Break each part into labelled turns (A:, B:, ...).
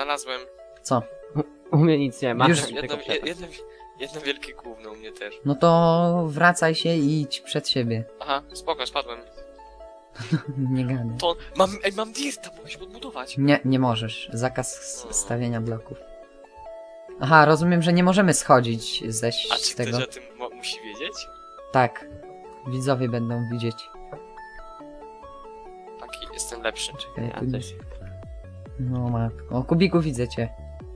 A: Znalazłem.
B: Co?
C: U mnie nic nie ma.
B: Już
A: Jedno wielkie gówno u mnie też.
B: No to wracaj się i idź przed siebie.
A: Aha, spoko, spadłem.
B: Nie gadaj.
A: To mam dirta, mogę się podbudować.
B: Nie możesz. Zakaz stawiania bloków. Aha, rozumiem, że nie możemy schodzić
A: A
B: z
A: czy
B: tego.
A: ktoś o tym musi wiedzieć?
B: Tak. Widzowie będą widzieć.
A: Taki, jestem lepszy.
B: Czekaj,
C: Ja
B: tu
C: też.
B: nic. No matko. O, Kubiku, widzę cię.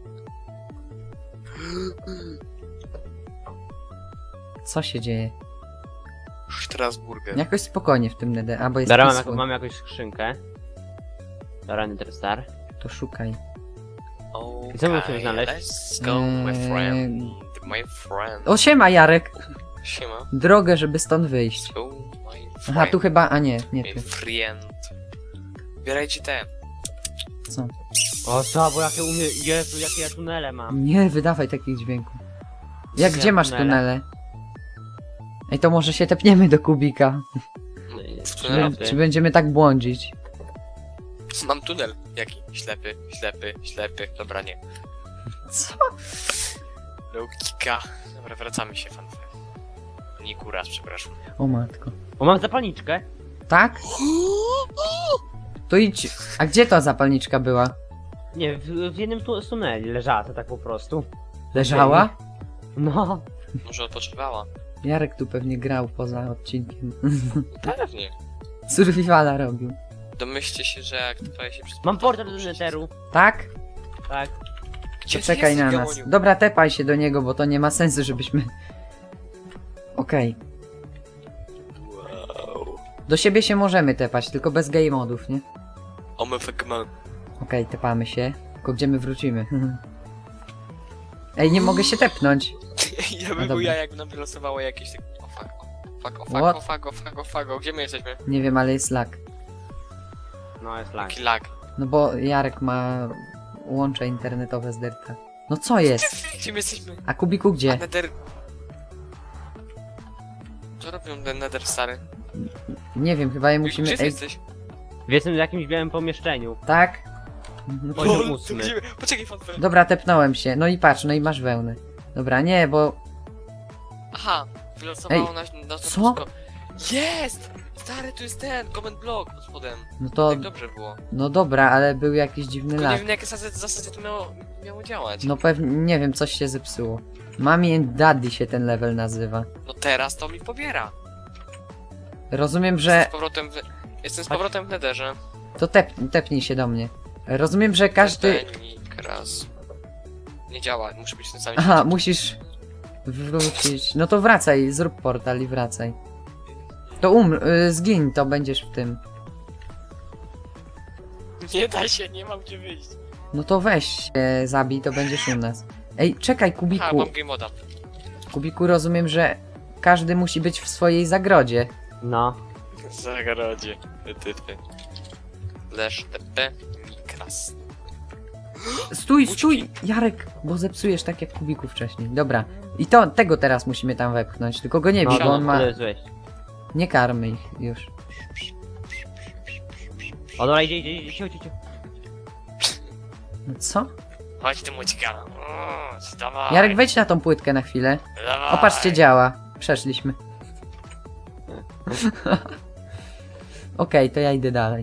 B: Co się dzieje?
A: Strasburger.
B: Jakoś spokojnie w tym nede. A, bo jest
C: Dobra,
B: peaceful.
C: mam jakąś skrzynkę. Dobra, Nether Star.
B: To szukaj.
C: I co musimy znaleźć?
A: Let's go, my friend. My friend.
B: O, siema, Jarek!
A: Siema.
B: Drogę, żeby stąd wyjść.
A: Let's go, my friend.
B: Aha, tu chyba... A nie
A: My
B: tu.
A: friend. Bierajcie te.
B: Co?
C: O, co, bo jakie u mnie... Jezu, jakie ja tunele mam.
B: Nie wydawaj takich dźwięków. Jak
C: Ja
B: gdzie masz tunele? Ej, to może się tepniemy do Kubika.
A: W
B: Czy,
A: tunelu.
B: czy będziemy tak błądzić?
A: Mam tunel. Jaki? Ślepy, ślepy, ślepy. Dobra, nie.
B: Co?
A: Logika. Dobra, wracamy się, fanfare. Nie kuras, przepraszam.
B: O matko.
C: O, mam zapalniczkę.
B: Tak? To idź. A gdzie ta zapalniczka była?
C: Nie, w jednym z tuneli leżała to tak po prostu.
B: Leżała?
C: No.
A: Może odpoczywała?
B: Jarek tu pewnie grał poza odcinkiem.
A: Pewnie.
B: Survivala robił.
A: Domyślcie się, że jak tutaj się przez...
C: Mam portal do Netheru.
B: Tak?
C: Tak.
A: Gdzie
B: To
A: ty
B: czekaj
A: jesteś,
B: na nas.
A: Gaboniu?
B: Dobra, tepaj się do niego, bo to nie ma sensu, żebyśmy... Okej.
A: Wow.
B: Do siebie się możemy tepać, tylko bez game modów, nie?
A: Omefegman.
B: Okej, tepamy się. Tylko gdzie my wrócimy? Ej, nie mogę się tepnąć.
A: Ja
B: No
A: bym był
B: dobra.
A: ja, jakby nam wylosowało jakieś tak... O fuck, o fuck,
B: What?
A: o fuck, o fuck, o fuck, o gdzie my jesteśmy?
B: Nie wiem, ale jest lag.
C: No, jest lag.
A: Jaki lag.
B: No bo Jarek ma łącze internetowe z Derta. No co jest?
A: Gdzie my jesteśmy?
B: A Kubiku
A: A
B: gdzie?
A: Nether... Co robią ten Nether stary?
B: Nie wiem, chyba je
A: Gdzie
B: musimy...
A: ty
B: Ej,
A: jesteś?
C: Jestem w jakimś białym pomieszczeniu.
B: tak? No to-
C: Poziom
A: to
C: 8.
A: gdzie... Poczekaj, fanfare.
B: Dobra, tepnąłem się. No i patrz, no i masz wełnę. Dobra, nie, bo...
A: Aha, wylosowało
B: Ej,
A: nas na to
B: co?
A: wszystko. Jest! Stary, tu jest ten, comment block pod spodem.
B: No to...
A: Tak dobrze było.
B: No dobra, ale był jakiś dziwny
A: Tylko nie
B: lag.
A: wiem, na jakie zasady to miało działać.
B: No pewnie, nie wiem, coś się zepsuło. Mommy and Daddy się ten level nazywa.
A: No teraz to mi pobiera.
B: Rozumiem,
A: Jestem
B: że...
A: z powrotem Jestem z powrotem w Netherze.
B: To tepnij się do mnie. Rozumiem, że każdy...
A: Tepenik raz. Nie działa, muszę być w tym samym
B: Aha,
A: świecie.
B: musisz wrócić. No to wracaj, zrób portal i wracaj. To zgiń, to będziesz w tym.
A: Nie da się, nie mam gdzie wyjść.
B: No to weź się, zabij, to będziesz u nas. Ej, czekaj,
A: Ha,
B: Kubiku.
A: mam game moda.
B: Kubiku, rozumiem, że każdy musi być w swojej zagrodzie.
C: No.
A: Zagrodzie. Typy. Lesz TP Mikras.
B: Stój,
A: Uciekaj.
B: stój! Jarek, bo zepsujesz tak jak Kubiku wcześniej. Dobra. I tego teraz musimy tam wepchnąć, tylko go nie bij,
C: No,
B: bo on ma...
C: to jest wejść.
B: Nie karmy ich już.
C: O, dobra, idzie, chodź.
B: No co?
A: Chodź ty mućka. Dawaj.
B: Jarek, wejdź na tą płytkę na chwilę.
A: Dawaj.
B: O, patrzcie, działa. Przeszliśmy. Okej, to ja idę dalej.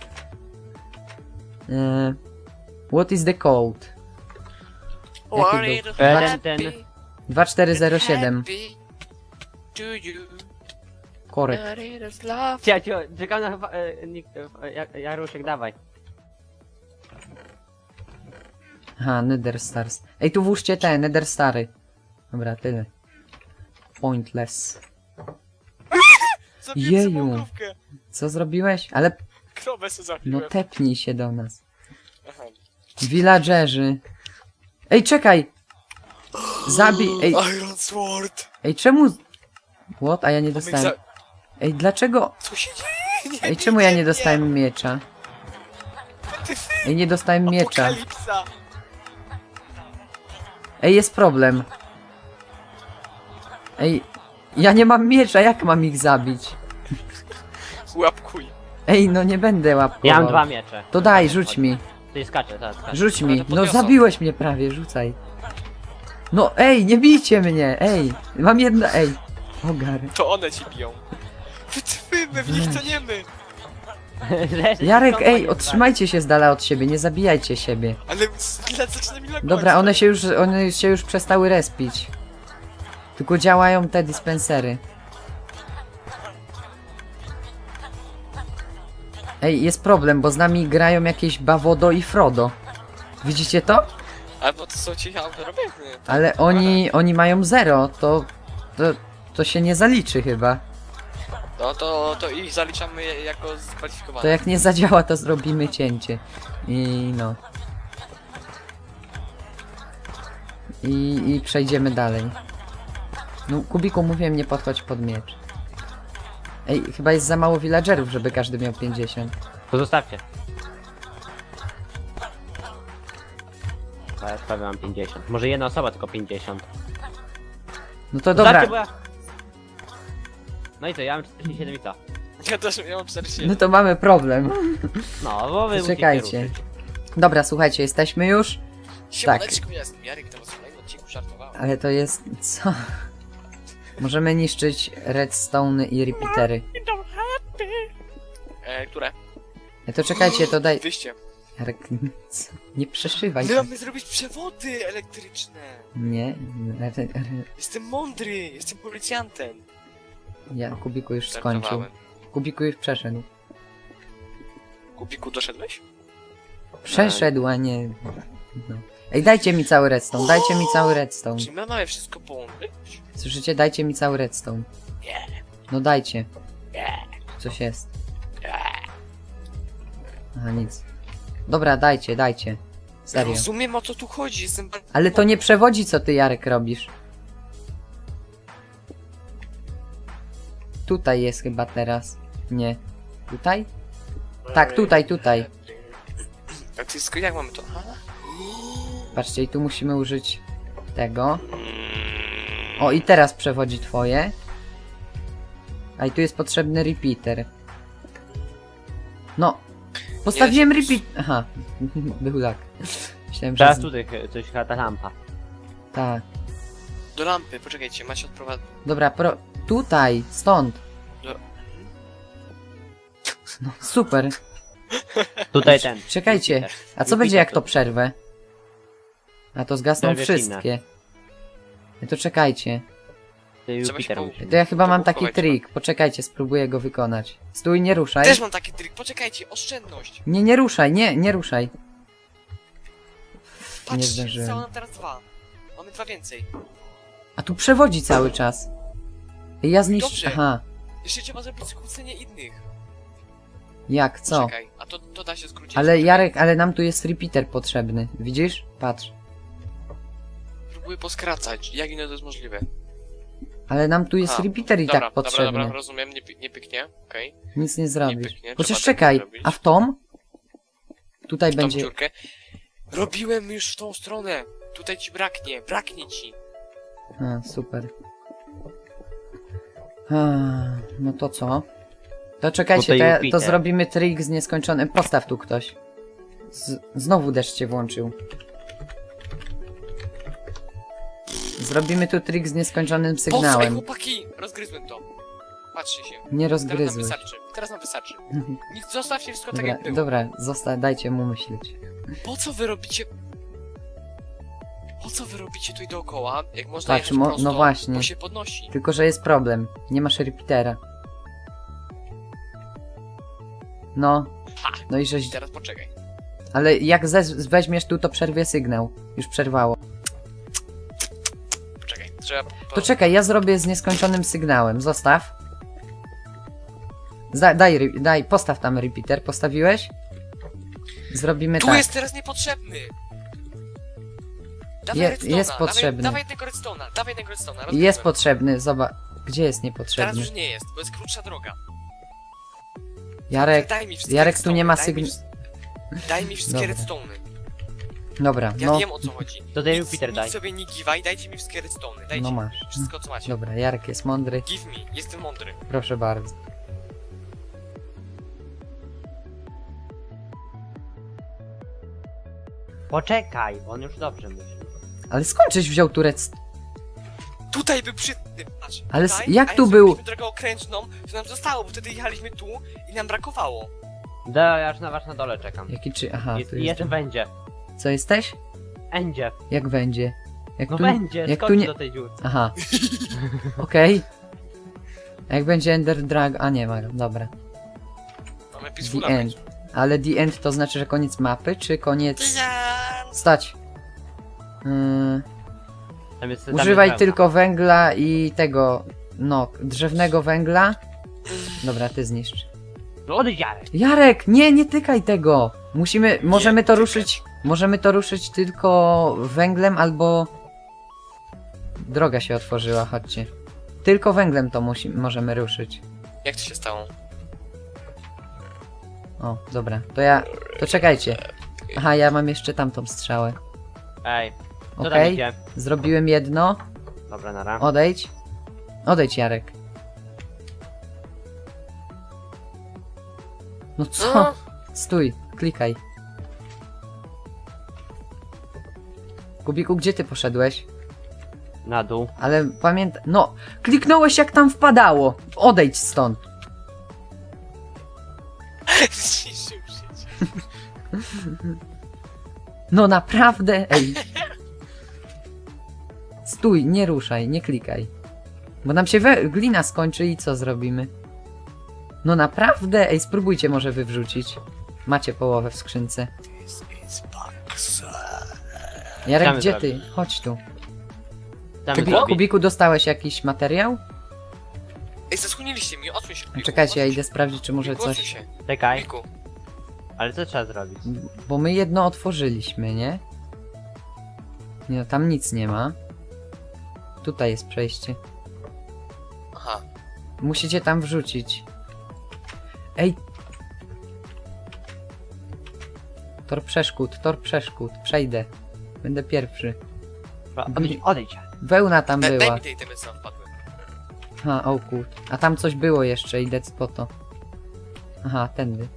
B: What is the code? Jaki był?
C: Ten.
B: 2407. Korek.
C: Czekam na... Jarusiek, dawaj.
B: Aha, Nether Stars. Ej, tu włóżcie te, Nether Stary. Dobra, tyle. Pointless. Jeju. Co zrobiłeś? Ale,
A: Krowę sobie
B: no
A: zabiłem.
B: tepnij się do nas.
A: Aha.
B: Villagerzy. Ej, czekaj! Zabij, ej,
A: Iron Sword.
B: ej, czemu... What? A ja nie dostałem... Ej, dlaczego...
A: Co się dzieje?
B: Ej, czemu ja nie dostałem miecza? Ej, nie dostałem miecza.
A: Apokalipsa.
B: Ej, jest problem. Ej, ja nie mam miecza, jak mam ich zabić?
A: Łapkuj.
B: Ej, no nie będę łapkował.
C: Ja mam 2 miecze.
B: To daj, rzuć mi.
C: Tutaj skacze, tak, skacze.
B: Rzuć
A: Ale
B: mi.
A: to
B: No
A: podniosą.
B: zabiłeś mnie prawie, rzucaj. No ej, nie bijcie mnie, ej. Mam jedno, ej. Ogar.
A: To one ci biją. My w nich toniemy.
B: Jarek, ej, otrzymajcie się z dala od siebie, nie zabijajcie siebie.
A: Ale zaczyna mi lagować.
B: Dobra, one się już przestały respić. Tylko działają te dispensery. Ej, jest problem, bo z nami grają jakieś Bawodo i Frodo. Widzicie to?
A: Albo to są ci autorobieny.
B: Ale oni mają 0, to się nie zaliczy chyba.
A: No to ich zaliczamy jako
B: To
A: skwalifikowane.
B: jak nie zadziała, to zrobimy cięcie. I no. I przejdziemy dalej. No, Kubiku, mówiłem, nie podchodź pod miecz. Ej, chyba jest za mało villagerów, żeby każdy miał 50.
C: To zostawcie. A ja prawie mam 50. Może jedna osoba tylko 50.
B: No to dobra.
C: Zostawcie, bo ja... No i co, ja mam 47 i co?
A: Ja mam 47.
B: No to mamy problem.
C: No, bo wy
B: Czekajcie.
C: musicie ruszyć.
B: Dobra, słuchajcie, jesteśmy już.
A: Siemaneczku, jestem Jarek, to was w kolejnym odcinku żartowałem.
B: Ale to jest... co? Możemy niszczyć redstone i repeatery.
A: Które?
B: To czekajcie, to daj...
A: Wyjście.
B: Jarek, co? Nie przeszywaj.
A: My mamy zrobić przewody elektryczne.
B: Nie,
A: Jestem mądry, jestem policjantem.
B: ja, Kubiku już skończył.
A: Żartowałem.
B: Kubiku już przeszedł.
A: Kubiku, doszedłeś?
B: Przeszedł, a nie... No. Ej, dajcie mi cały redstone, dajcie mi cały redstone.
A: Czy my mamy wszystko połączyć?
B: Słyszycie? Dajcie mi cały redstone.
A: Nie.
B: No dajcie.
A: Nie.
B: Coś jest.
A: Nie.
B: Aha, nic. Dobra, dajcie. Serio.
A: Rozumiem, o co tu chodzi, jestem...
B: Ale to nie przewodzi, co ty, Jarek, robisz. Tutaj jest chyba teraz. Nie. Tutaj? Tak, tutaj.
A: A ty jak mamy to? Aha.
B: Patrzcie, i tu musimy użyć tego. O, i teraz przewodzi twoje. A i tu jest potrzebny repeater. No. Postawiłem
A: Nie,
B: repeat... Aha. Był lag. Myślałem,
C: Teraz
B: że...
C: tutaj coś chyba ta lampa.
B: Tak.
A: Do lampy, poczekajcie, macie odprowadzę.
B: Dobra, tutaj, stąd.
A: Do...
B: No, super.
C: Tutaj ten.
B: Czekajcie,
C: Jupiter.
B: a co
C: Jupiter
B: będzie jak to
C: tu.
B: przerwę? A to zgasną
C: Przerwie
B: wszystkie. To czekajcie.
C: Ty
A: Trzeba się
C: Jupiter
A: połóż.
C: musisz.
B: To ja chyba mam taki
A: Chować,
B: trik. Poczekajcie, spróbuję go wykonać. Stój, nie ruszaj.
A: Też mam taki trik, poczekajcie, oszczędność.
B: Nie ruszaj, nie ruszaj. Nie
A: Patrzcie,
B: zdążyłem.
A: zostało nam teraz 2. Mamy 2 więcej.
B: A tu przewodzi cały czas. Ja zniszczę.
A: Dobrze.
B: Aha.
A: Jeszcze trzeba zrobić skrócenie innych.
B: Jak, co?
A: Czekaj, a to da się skrócić.
B: Ale Jarek, ale nam tu jest repeater potrzebny. Widzisz? Patrz.
A: Próbuję poskracać, jak inne to jest możliwe.
B: Ale nam tu jest
A: Aha,
B: repeater i
A: Dobra,
B: tak
A: dobra,
B: potrzebny.
A: dobra, rozumiem, nie pyknie, okej.
B: Nic nie zrobisz.
A: pyknie,
B: Chociaż
A: trzeba tak
B: czekaj,
A: zrobić.
B: a w tą? Tutaj
A: W tą
B: będzie...
A: dziurkę. Robiłem już w tą stronę. Tutaj ci braknie ci.
B: A, super. No to co? To czekajcie,
C: Tutaj
B: to
C: Jupiter.
B: zrobimy trik z nieskończonym. Postaw tu ktoś. Znowu deszcz się włączył. Zrobimy tu trik z nieskończonym
A: Posłuchaj,
B: sygnałem.
A: chłopaki! Rozgryzłem to. Patrzcie się.
B: Nie
A: Teraz nam
B: rozgryzłeś.
A: wystarczy. Teraz nam wystarczy. Nic, zostawcie wszystko tak
B: Dobra,
A: jak było.
B: dobra, dajcie mu myśleć.
A: Po co wy robicie... Po co wy robicie tu i dookoła, jak można
B: Patrz,
A: jechać prosto,
B: no właśnie.
A: bo się podnosi.
B: Tylko, że jest problem. Nie masz repeatera. No. No i żeś...
A: I teraz poczekaj.
B: Ale jak weźmiesz tu, to przerwie sygnał. Już przerwało.
A: Poczekaj. Trzeba...
B: To czekaj, ja zrobię z nieskończonym sygnałem. Zostaw. Daj, postaw tam repeater. Postawiłeś? Zrobimy
A: Tu
B: tak.
A: jest teraz niepotrzebny! Dawaj
B: Jest
A: redstone'a,
B: potrzebny.
A: Dawaj jednego redstone'a,
B: Jest
A: rozgryzłem.
B: potrzebny, zobacz. Gdzie jest
A: Teraz
B: niepotrzebny?
A: już nie jest, bo jest krótsza droga.
B: Jarek,
A: Daj mi wszystkie
B: Jarek tu nie ma
A: redstone'y, Daj mi wszystkie
B: Dobra.
A: redstone'y.
B: Dobra,
A: Ja
B: no,
A: wiem o co chodzi.
C: To daj
A: Nic-
C: Jupiter
A: nic
C: daj.
A: sobie nie giwaj, dajcie mi wszystkie redstone'y. Dajcie
B: no
A: mi
B: masz.
A: wszystko co macie.
B: Dobra, Jarek jest mądry.
A: Give me, jestem mądry.
B: Proszę bardzo.
C: Poczekaj, on już dobrze myśli.
B: Ale skąd żeś wziął turec?
A: Tutaj był przy tym, patrz.
B: Ale
A: tutaj,
B: jak
A: a
B: tu
A: jak
B: był?
A: zrobiliśmy drogę okrężną, to nam zostało, bo wtedy jechaliśmy tu i nam brakowało.
C: Da, ja już na was na dole czekam.
B: Jaki czy... Aha,
C: Jest,
B: tu
C: jest
B: jest.
C: będzie.
B: Co jesteś?
C: Będzie.
B: Jak będzie? Jak
C: No
B: tu...
C: będzie,
B: jak tu
C: skocz
B: nie...
C: do tej dziurki.
B: Aha. Okej. A jak będzie Ender Drag... A nie ma, dobra.
A: Mamy
B: The
A: peacefula.
B: End. Ale The End to znaczy, że koniec mapy, czy koniec...
A: Ja.
B: Stać.
C: Tam jest,
B: Używaj
C: pełna.
B: tylko węgla i tego... No, drzewnego węgla. Dobra, ty zniszcz.
C: No odejdź, Jarek.
B: Jarek, nie tykaj tego! Możemy to
A: tykać.
B: ruszyć... Możemy to ruszyć tylko węglem albo... Droga się otworzyła, chodźcie. Tylko węglem to możemy ruszyć.
A: Jak to się stało?
B: O, dobra. To czekajcie. Aha, ja mam jeszcze tamtą strzałę.
C: Ej, co tam
B: Okej,
C: idzie?
B: zrobiłem jedno.
C: Dobra, nara.
B: Odejdź. Odejdź, Jarek. No co?
A: No.
B: Stój, klikaj. Kubiku, gdzie ty poszedłeś?
C: Na dół.
B: Ale pamiętaj... No, kliknąłeś jak tam wpadało. Odejdź stąd.
A: Zniszczył życie.
B: No naprawdę, ej. Stój, nie ruszaj, nie klikaj. Bo nam się glina skończy i co zrobimy? No naprawdę, ej, spróbujcie może wywrzucić. Macie połowę w skrzynce.
A: This is box.
B: Jarek,
C: Chciamy
B: gdzie
C: zrobić.
B: ty? Chodź tu.
C: Tam
B: Kubiku, dostałeś jakiś materiał?
A: Ej, zasłoniliście mi, odsuń się. Kubiku,
B: Czekajcie, ja
A: odsuń
B: idę
A: się.
B: sprawdzić, czy może
A: Kubiku, odsuń
B: coś...
A: się.
C: Czekaj,
A: Kubiku.
C: ale co trzeba zrobić?
B: Bo my jedno otworzyliśmy, nie? Nie, no, tam nic nie ma. Tutaj jest przejście.
A: Aha.
B: Musicie tam wrzucić. Ej! Tor przeszkód, przejdę. Będę pierwszy.
C: Odejdź, Jarek.
B: Wełna tam
A: Daj
B: była.
A: mi tej temy, co nam wpadły.
B: Aha, o kut. A tam coś było jeszcze, idę po to. Aha, tędy.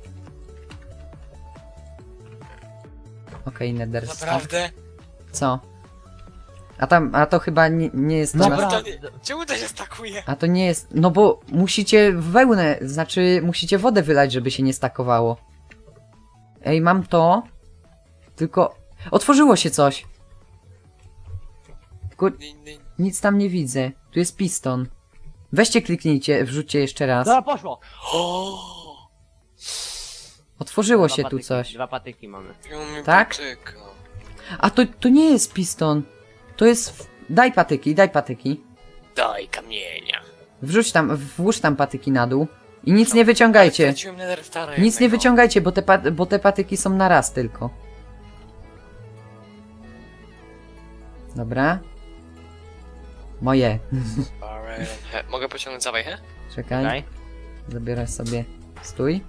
B: Okej, Netherstone.
A: Naprawdę?
B: Co? A to chyba nie jest to
C: Dobra.
B: na...
A: To nie, czemu to się stakuje?
B: A to nie jest... No bo musicie wełnę, znaczy musicie wodę wylać, żeby się nie stakowało. Ej, mam to. Tylko... Otworzyło się coś. Tylko nic tam nie widzę. Tu jest piston. Weźcie, kliknijcie, wrzućcie jeszcze raz.
C: Dobra, poszło.
A: O!
B: Otworzyło się tu coś.
C: 2 patyki mamy.
B: Tak? A to nie jest piston. To jest... Daj patyki.
A: Daj kamienia.
B: Włóż tam patyki na dół. I nic nie wyciągajcie.
A: Straciłem Nether Stara
B: Nic nie
A: jednego.
B: wyciągajcie, bo te patyki są na raz tylko. Dobra. Moje.
A: Mogę pociągnąć za wejchę?
B: Czekaj.
C: Czekaj.
B: Zabiorę sobie. Stój.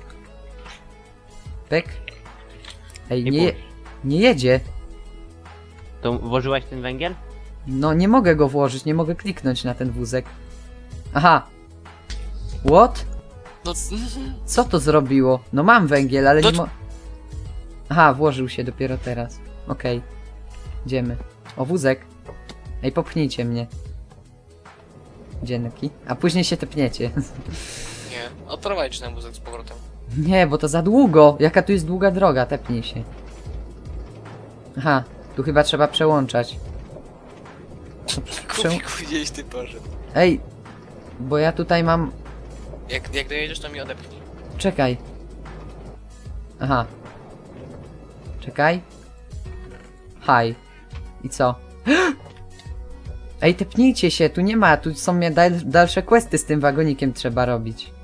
B: Pyk. Ej, nie jedzie.
C: To włożyłeś ten węgiel?
B: No nie mogę go włożyć, nie mogę kliknąć na ten wózek. Aha. What?
A: No,
B: Co to zrobiło? No mam węgiel, ale
A: No
B: nie mo... Aha, włożył się dopiero teraz. Okej. Idziemy. O, wózek. Ej, popchnijcie mnie. Dzięki. A później się tepniecie.
A: nie. Odprowadź ten wózek z powrotem.
B: Nie, bo to za długo. Jaka tu jest długa droga, tepnij się. Aha, tu chyba trzeba przełączać.
A: Kubiku, gdzieś ty poszedł.
B: Ej, bo ja tutaj mam...
A: Jak dojedziesz, to mi odepchnij.
B: Czekaj. Aha. Czekaj. Hi. I co? Ej, tepnijcie się, tu nie ma, tu są dalsze questy z tym wagonikiem trzeba robić.